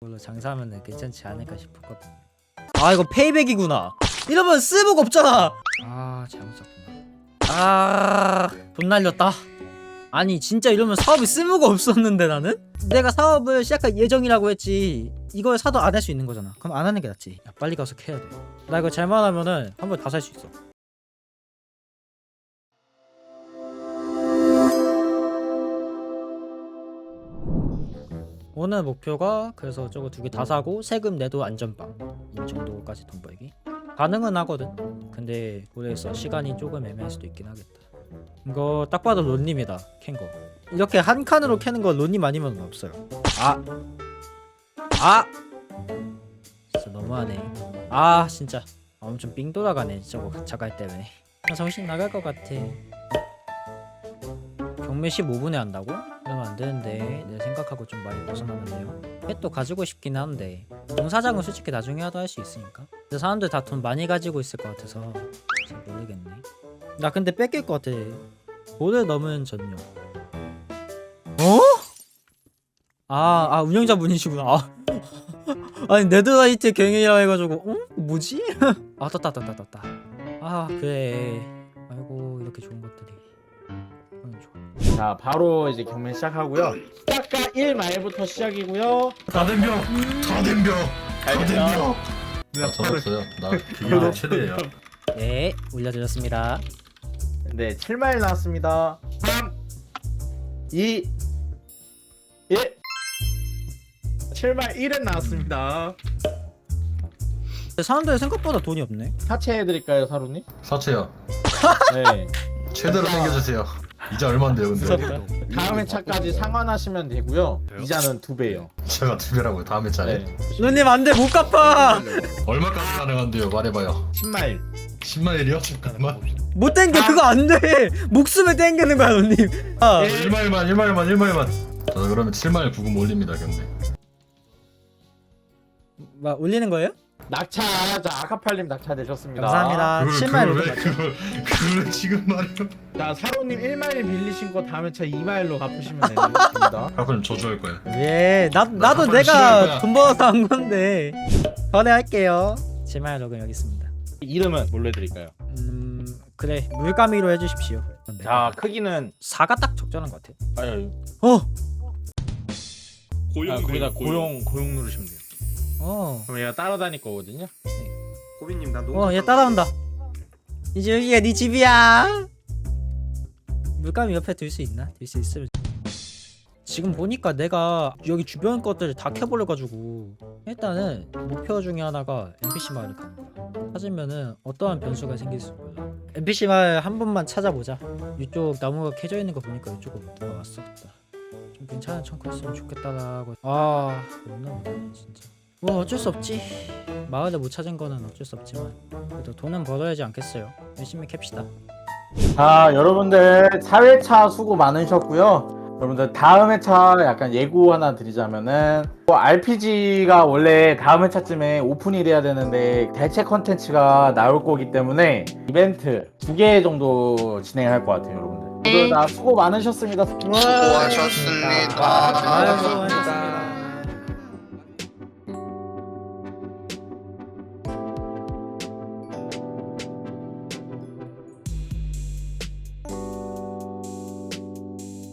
물로 장사하면 괜찮지 않을까 싶었거든. 아 이거 페이백이구나. 이러면 쓸모가 없잖아. 아 잘못 샀구나. 돈 날렸다. 아니 진짜 이러면 사업이 쓸모가 없었는데 나는? 내가 사업을 시작할 예정이라고 했지 이걸 사도 안 할 수 있는 거잖아. 그럼 안 하는 게 낫지. 야, 빨리 가서 캐야 돼. 나 이거 잘못하면은 한 번 다 살 수 있어. 오늘 목표가 그래서 저거 두 개 다 사고 세금 내도 안전빵 이 정도까지 돈 벌기 가능은 하거든. 근데 그래서 시간이 조금 애매할 수도 있긴 하겠다. 이거 딱 봐도 론님이다 캔거. 이렇게 한 칸으로 캐는 거 론님 아니면 없어요. 진짜 너무하네. 진짜 엄청 삥 돌아가네 저거 자갈 때문에. 정신 나갈 것 같아. 경매 15분에 한다고? 그러면 안 되는데 내 생각하고 좀 많이 벗어나는데요. 펫도 가지고 싶긴 한데 공사장은 솔직히 나중에 하도 할 수 있으니까. 근데 사람들 다 돈 많이 가지고 있을 것 같아서 잘 모르겠네. 나 근데 뺏길 것 같아. 돈을 넘은 전용. 운영자분이시구나. 아니 네드라이트 경영이라고 해가지고 뭐지? 떴다. 그래. 아이고 이렇게 좋은 것들이. 좋아. 자 바로 이제 경매 시작하고요. 시작가 1마일부터 시작이고요. 다 덤벼. 나 접었어요. 나 그게 최대예요. 네 올려드렸습니다. 네 7마일 나왔습니다. 3 2 1 7마일 1은 나왔습니다. 사람들 생각보다 돈이 없네. 사채해드릴까요 사루님? 사채요. 네. 최대로 당겨주세요. 이자 얼마인데요, 근데? 다음 회차까지 상환하시면 되고요. 이자는 2배예요. 제가 2배라고요. 다음 회차에. 네. 누님 안돼 못 갚아. 얼마까지 가능한데요? 말해봐요. 10마일. 10만일이요? 잠깐만. 못 땡겨. 그거 안돼. 목숨을 땡기는 거야 누님. 1마일만. 저 그러면 7마일 부금 올립니다, 경매. 올리는 거예요? 낙차. 자 아카팔님 낙차 되셨습니다. 감사합니다. 7마일 그걸 지금 말해요? 자 사루님 1마일 빌리신 거 다음 회차 2마일로 갚으시면 됩니다. 아빠는 저주할 거야. 예, 나도 한 번에 싫어할 내가 거야. 돈 벌어서 한 건데 거래할게요. 7마일 로그 여기 있습니다. 이름은 뭘로 해드릴까요? 그래 물가미로 해주십시오. 자 크기는 4가 딱 적절한 것 같아. 아유 고용 거기다 고용 누르시면 돼요. 그럼 얘가 따라다닐 거거든요. 고빈님 나 너무 얘 따라온다. 이제 여기가 네 집이야. 물감이 옆에 둘 수 있나? 둘 수 있으면. 지금 보니까 내가 여기 주변 것들을 다 캐버려가지고 일단은 목표 중에 하나가 NPC 마을을 가는 거야. 찾으면은 어떠한 변수가 생길지 몰라. NPC 마을 한 번만 찾아보자. 이쪽 나무가 캐져 있는 거 보니까 이쪽으로 누가 왔었다. 좀 괜찮은 창고 있으면 좋겠다라고. 없나 보네 진짜. 뭐 어쩔 수 없지. 마을을 못 찾은 거는 어쩔 수 없지만 그래도 돈은 벌어야지 않겠어요. 열심히 캡시다. 자 여러분들 4회차 수고 많으셨고요. 여러분들 다음 회차 약간 예고 하나 드리자면은 RPG가 원래 다음 회차쯤에 오픈이 돼야 되는데 대체 컨텐츠가 나올 거기 때문에 이벤트 2개 정도 진행할 것 같아요. 여러분들 모두 다 수고 많으셨습니다. 수고하셨습니다. 아이고 수고하셨습니다.